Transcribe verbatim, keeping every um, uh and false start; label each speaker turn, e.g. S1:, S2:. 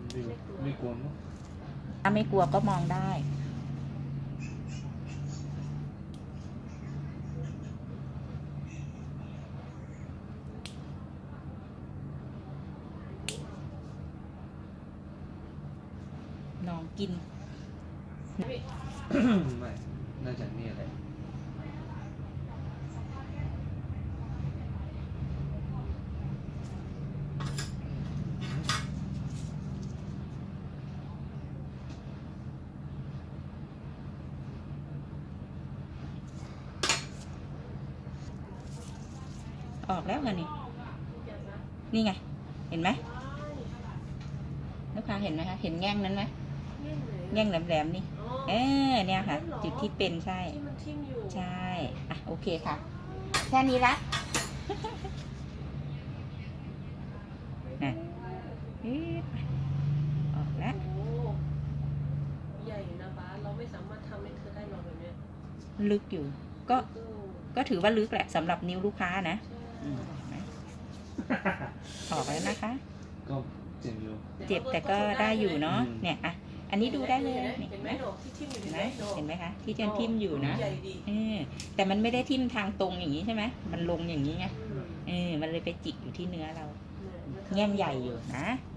S1: ไม่ไม่กลัวมั้ง
S2: ถ้าไม่กลัวก็มองได้น้องกิน
S1: ไม่น่าจะนี่อะไร
S2: ออกแล้วไงนี่นี่ไงเห็นไหมลูกค้าเห็นไหมคะเห็นแง่งนั้นไหมแง่งแหลมๆนี่เออเนี่ยค่ะจุดที่เป็นใช่ใช่อ่ะโอเคค่ะแค่นี้ละนะออกแล้ว
S3: ใหญ่นะบ้าเราไม่สามารถทำให้เธอได้หรอกแบบนี้
S2: ลึกอยู่ก็ก็ถือว่าลึกแหละสำหรับนิ้วลูกค้านะออกแล้วนะคะ
S1: ก็เจ็บอยู่
S2: เจ็บแต่ก็ได้อยู่เนาะเนี่ยอ่ะอันนี้ดูได้เลย
S3: เห็นไหมที่ทิ่มอยู่
S2: เห็นไหมเห็นไหมคะที่เจนทิ่มอยู่นะเออแต่มันไม่ได้ทิ่มทางตรงอย่างนี้ใช่ไหมมันลงอย่างนี้ไงเออมันเลยไปจิกอยู่ที่เนื้อเราแง่งใหญ่อยู่นะ